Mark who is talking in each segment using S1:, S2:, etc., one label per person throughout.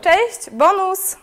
S1: Cześć, bonus!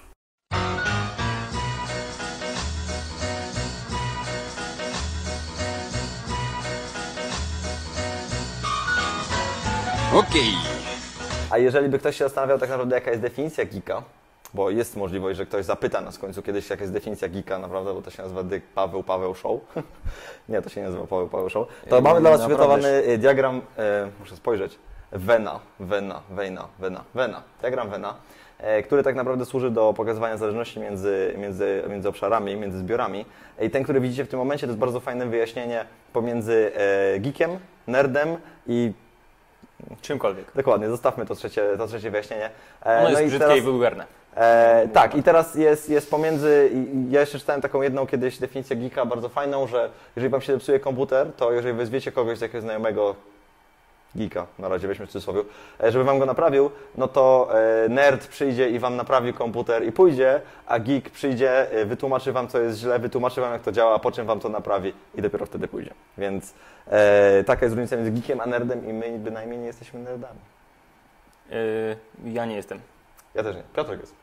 S2: Okej.
S3: A jeżeli by ktoś się zastanawiał tak naprawdę jaka jest definicja geeka, bo jest możliwość, że ktoś zapyta nas w końcu kiedyś jaka jest definicja geeka naprawdę, bo to się nazywa Paweł Show. Nie, to się nie nazywa Paweł Show. To mamy dla Was przygotowany diagram, muszę spojrzeć, Vena. Diagram Vena, który tak naprawdę służy do pokazywania zależności między obszarami, między zbiorami. I ten, który widzicie w tym momencie, to jest bardzo fajne wyjaśnienie pomiędzy geekiem, nerdem i
S2: czymkolwiek.
S3: Dokładnie, zostawmy to trzecie wyjaśnienie.
S2: Ono jest brzydkie i wulgarne.
S3: Tak, i teraz jest pomiędzy, ja jeszcze czytałem taką jedną kiedyś definicję geeka bardzo fajną, że jeżeli Wam się zepsuje komputer, to jeżeli wezwiecie kogoś z jakiegoś znajomego geeka, na razie weźmy w cudzysłowie, żeby Wam go naprawił, no to nerd przyjdzie i Wam naprawi komputer i pójdzie, a geek przyjdzie, wytłumaczy Wam, co jest źle, wytłumaczy Wam, jak to działa, po czym Wam to naprawi i dopiero wtedy pójdzie. Więc taka jest różnica między geekiem a nerdem i my bynajmniej nie jesteśmy nerdami.
S2: Ja nie jestem.
S3: Ja też nie. Piotrek jest.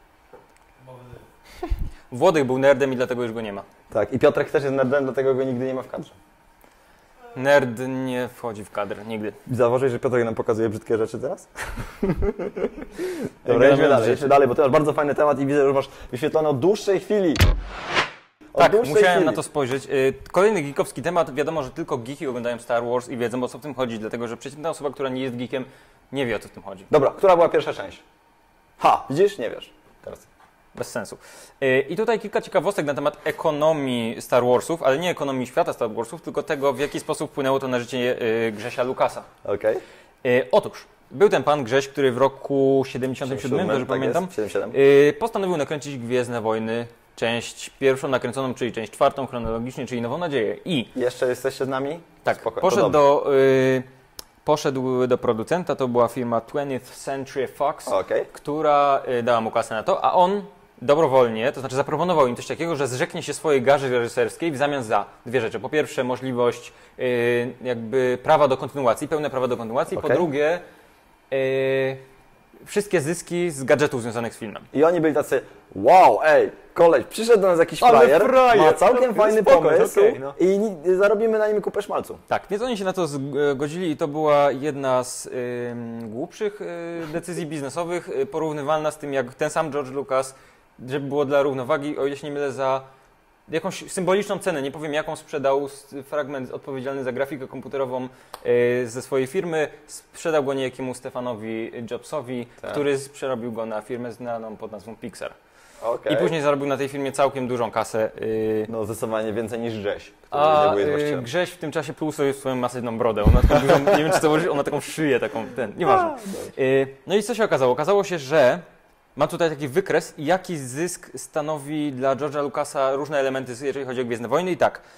S2: Włodek był nerdem i dlatego już go nie ma.
S3: Tak, i Piotrek też jest nerdem, dlatego go nigdy nie ma w kadrze.
S2: Nerd nie wchodzi w kadr, nigdy.
S3: Zauważyłeś, że Piotrek nam pokazuje brzydkie rzeczy teraz? Dobra, idźmy dalej, bo to masz bardzo fajny temat i widzę, że już masz wyświetlone od dłuższej chwili.
S2: Musiałem na to spojrzeć. Kolejny geekowski temat. Wiadomo, że tylko geeki oglądają Star Wars i wiedzą, o co w tym chodzi, dlatego że przeciętna osoba, która nie jest geekiem, nie wie, o co w tym chodzi.
S3: Dobra, która była pierwsza część? Widzisz? Nie wiesz. Teraz.
S2: Bez sensu. I tutaj kilka ciekawostek na temat ekonomii Star Warsów, ale nie ekonomii świata Star Warsów, tylko tego, w jaki sposób wpłynęło to na życie Grzesia Lucasa.
S3: Okej.
S2: Otóż, był ten pan Grześ, który w roku 77, dobrze pamiętam,
S3: 77.
S2: Postanowił nakręcić Gwiezdne Wojny, część pierwszą nakręconą, czyli część czwartą chronologicznie, czyli Nową Nadzieję. I
S3: jeszcze jesteście z nami?
S2: tak,
S3: Spoko,
S2: poszedł do producenta, to była firma 20th Century Fox, która dała mu kasę na to, a on dobrowolnie, to znaczy zaproponował im coś takiego, że zrzeknie się swojej garzy reżyserskiej w zamian za dwie rzeczy. Po pierwsze możliwość jakby prawa do kontynuacji, pełne prawa do kontynuacji, po drugie wszystkie zyski z gadżetów związanych z filmem.
S3: I oni byli tacy, wow, koleś, przyszedł do nas jakiś frajer, ma całkiem fajny pomysł i zarobimy na nim kupę szmalcu.
S2: Tak, więc oni się na to zgodzili i to była jedna z głupszych decyzji biznesowych, porównywalna z tym, jak ten sam George Lucas, żeby było dla równowagi, o ile się nie mylę, za jakąś symboliczną cenę, nie powiem jaką, sprzedał fragment odpowiedzialny za grafikę komputerową ze swojej firmy, sprzedał go niejakiemu Stefanowi Jobsowi, który przerobił go na firmę znaną pod nazwą Pixar. I później zarobił na tej firmie całkiem dużą kasę.
S3: No zdecydowanie więcej niż Grześ.
S2: A Grześ w tym czasie pluł sobie swoją masywną brodę. Ona taką dużą, nie wiem czy to ona taką szyję, nieważne. No i co się okazało? Okazało się, że mam tutaj taki wykres, jaki zysk stanowi dla George'a Lucasa różne elementy, jeżeli chodzi o Gwiezdne Wojny. I tak,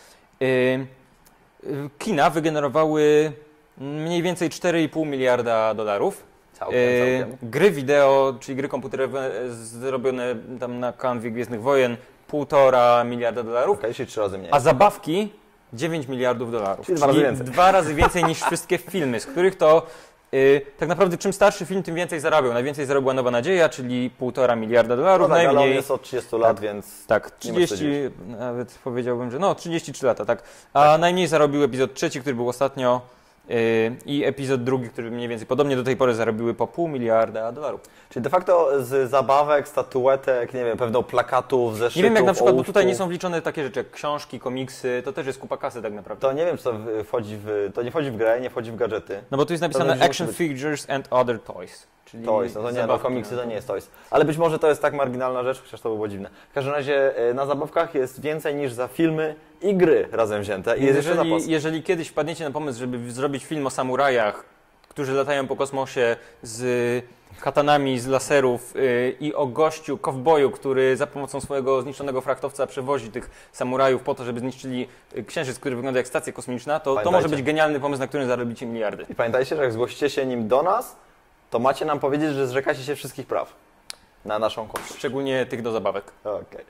S2: kina wygenerowały mniej więcej 4,5 miliarda dolarów.
S3: Całkiem.
S2: Gry wideo, czyli gry komputerowe zrobione tam na kanwie Gwiezdnych Wojen, 1,5 miliarda dolarów.
S3: Czyli 3 razy mniej.
S2: A zabawki 9 miliardów dolarów.
S3: Czyli 2 razy więcej.
S2: 2 razy więcej niż wszystkie filmy, z których to tak naprawdę czym starszy film, tym więcej zarabiał. Najwięcej zarobiła Nowa Nadzieja, czyli 1,5 miliarda dolarów.
S3: No tak,
S2: najmniej.
S3: ale on jest od 30 lat, więc...
S2: Tak, 30, nawet powiedziałbym, że 33 lata, tak. A najmniej zarobił epizod 3, który był ostatnio, i epizod 2, który mniej więcej podobnie do tej pory zarobiły po 0,5 miliarda dolarów.
S3: Czyli de facto z zabawek, statuetek, nie wiem, pewno plakatów, zeszytów,
S2: nie wiem jak na przykład, bo tutaj nie są wliczone takie rzeczy jak książki, komiksy, to też jest kupa kasy tak naprawdę.
S3: To nie wiem, czy to nie wchodzi w grę, nie wchodzi w gadżety.
S2: No bo tu jest napisane Action Figures and Other Toys. Czyli
S3: toys, no to nie, no komiksy to nie jest toys. Ale być może to jest tak marginalna rzecz, chociaż to by było dziwne. W każdym razie na zabawkach jest więcej niż za filmy i gry razem wzięte. I
S2: jeżeli kiedyś wpadniecie na pomysł, żeby zrobić film o samurajach, którzy latają po kosmosie z katanami z laserów i o gościu, kowboju, który za pomocą swojego zniszczonego frachtowca przewozi tych samurajów po to, żeby zniszczyli księżyc, który wygląda jak stacja kosmiczna, to może być genialny pomysł, na którym zarobicie miliardy.
S3: I pamiętajcie, że jak zgłosicie się nim do nas, to macie nam powiedzieć, że zrzekacie się wszystkich praw na naszą korzyść.
S2: Szczególnie tych do zabawek.
S3: Okej.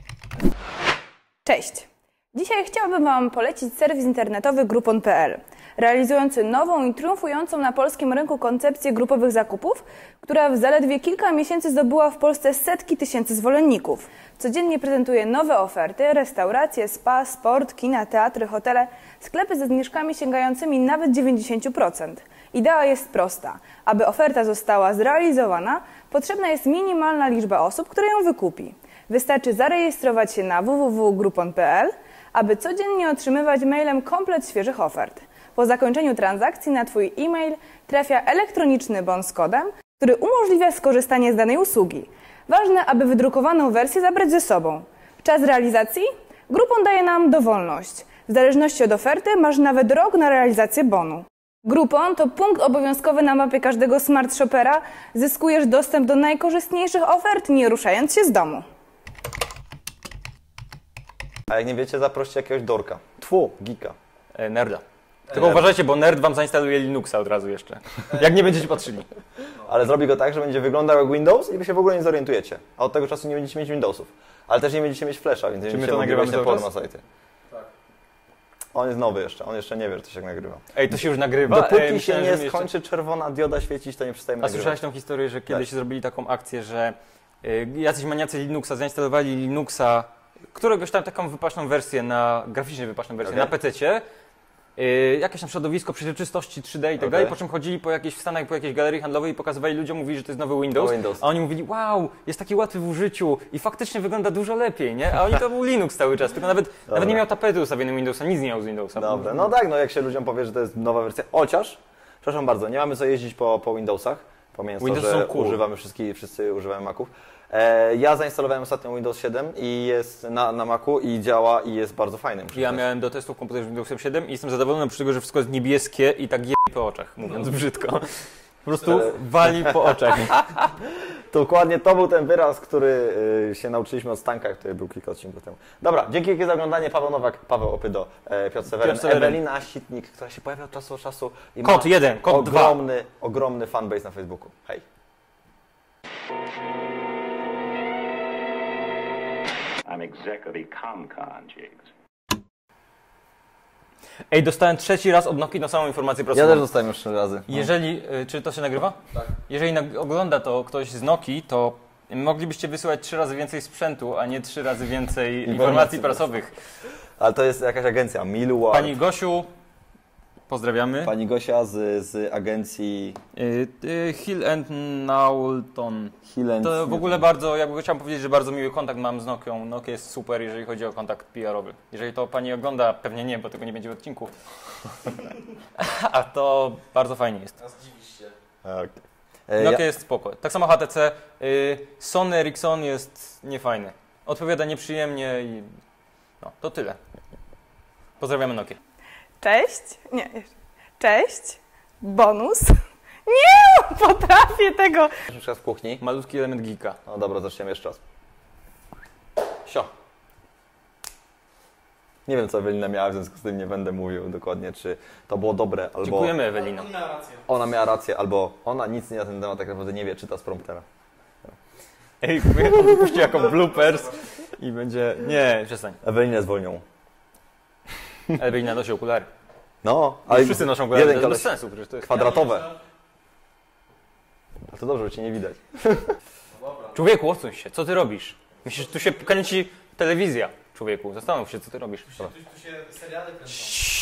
S1: Cześć! Dzisiaj chciałabym Wam polecić serwis internetowy Groupon.pl. realizujący nową i triumfującą na polskim rynku koncepcję grupowych zakupów, która w zaledwie kilka miesięcy zdobyła w Polsce setki tysięcy zwolenników. Codziennie prezentuje nowe oferty, restauracje, spa, sport, kina, teatry, hotele, sklepy ze zniżkami sięgającymi nawet 90%. Idea jest prosta. Aby oferta została zrealizowana, potrzebna jest minimalna liczba osób, które ją wykupi. Wystarczy zarejestrować się na www.groupon.pl, aby codziennie otrzymywać mailem komplet świeżych ofert. Po zakończeniu transakcji na Twój e-mail trafia elektroniczny bon z kodem, który umożliwia skorzystanie z danej usługi. Ważne, aby wydrukowaną wersję zabrać ze sobą. Czas realizacji? Groupon daje nam dowolność. W zależności od oferty masz nawet rok na realizację bonu. Groupon to punkt obowiązkowy na mapie każdego smart shoppera. Zyskujesz dostęp do najkorzystniejszych ofert, nie ruszając się z domu.
S3: A jak nie wiecie, zaproście jakiegoś dorka. Geeka.
S2: Nerda. Tylko uważajcie, bo nerd wam zainstaluje Linuxa od razu jeszcze. Jak nie będziecie patrzyli.
S3: Ale zrobi go tak, że będzie wyglądał jak Windows i wy się w ogóle nie zorientujecie. A od tego czasu nie będziecie mieć Windowsów. Ale też nie będziecie mieć Flasha, więc nie będziecie mogli wejść na porno sajty. Tak. On jest nowy jeszcze, on jeszcze nie wie, że to się nagrywa.
S2: Ej, to się już nagrywa?
S3: Dopóki się nie skończy czerwona dioda świecić, to nie przestajemy nagrywać.
S2: A słyszałeś tą historię, że kiedyś zrobili taką akcję, że jacyś maniacy Linuxa zainstalowali Linuxa, któregoś tam taką wypaczną wersję, graficznie wypaczną wersję na PC-cie, jakieś tam środowisko przejrzystości 3D i tak dalej, po czym chodzili w Stanach po jakiejś galerii handlowej i pokazywali ludziom, mówili, że to jest nowy Windows, a oni mówili, wow, jest taki łatwy w użyciu i faktycznie wygląda dużo lepiej, nie? A oni to był Linux cały czas, tylko nawet nie miał tapety ustawionej Windowsa, nic nie miał z Windowsa.
S3: Dobra, no tak, no jak się ludziom powie, że to jest nowa wersja, chociaż, przepraszam bardzo, nie mamy co jeździć po Windowsach, pomijając to, że używamy wszyscy używamy Maców. Ja zainstalowałem ostatnio Windows 7 i jest na Macu i działa i jest bardzo fajnym.
S2: Ja miałem do testów komputer z Windowsem 7 i jestem zadowolony z tego, że wszystko jest niebieskie i tak je po oczach, mówiąc brzydko. Po prostu wali po oczach.
S3: Dokładnie to był ten wyraz, który się nauczyliśmy od Stanka, który był kilka odcinków temu. Dobra, dzięki wielkie za oglądanie. Paweł Nowak, Paweł Opydo, Piotr Seweryn, Ewelina Sitnik, która się pojawia od czasu do czasu i ma
S2: kod
S3: ogromny fanbase na Facebooku. Hej! I'm exactly ComCon, Jigs.
S2: Ej, dostałem 3. raz od Nokii na samą informację prasową.
S3: Ja też dostałem już 3 razy.
S2: Jeżeli, czy to się nagrywa? Tak. Jeżeli ogląda to ktoś z Nokii, to moglibyście wysyłać 3 razy więcej sprzętu, a nie 3 razy więcej informacji prasowych. Ale
S3: to jest jakaś agencja, Millward.
S2: Pani Gosiu, pozdrawiamy.
S3: Pani Gosia z agencji
S2: Hill and Knowlton. To w ogóle bardzo, chciałem powiedzieć, że bardzo miły kontakt mam z Nokią. Nokia jest super, jeżeli chodzi o kontakt PR-owy. Jeżeli to pani ogląda, pewnie nie, bo tego nie będzie w odcinku. A to bardzo fajnie jest.
S4: A zdziwisz się.
S3: Okay.
S2: Nokia jest spoko. Tak samo HTC. Sony Ericsson jest niefajny. Odpowiada nieprzyjemnie i no, to tyle. Pozdrawiamy Nokię.
S1: Cześć. Nie, jeszcze. Cześć. Bonus. Nie, potrafię tego.
S3: Czas w kuchni.
S2: Malutki element geeka.
S3: No dobra, zaczniemy jeszcze raz. Sio. Nie wiem, co Ewelina miała, w związku z tym nie będę mówił dokładnie, czy to było dobre, albo...
S2: Dziękujemy, Ewelino.
S3: Ona miała rację, albo ona nic na ten temat tak naprawdę nie wie, czyta z promptera.
S2: Ej, wypuści jako bloopers i będzie... Nie, przestań.
S3: Ewelinę zwolnią.
S2: Ewelina nosi okulary.
S3: No, ale
S2: wszyscy noszą okulary, to jest bez sensu. Przecież to jest
S3: kwadratowe. A to dobrze, że cię nie widać.
S2: Człowieku, odsuń się, co ty robisz? Myślisz, tu się kręci telewizja. Człowieku, zastanów się, co ty robisz.
S4: Tu się seriale kręcą.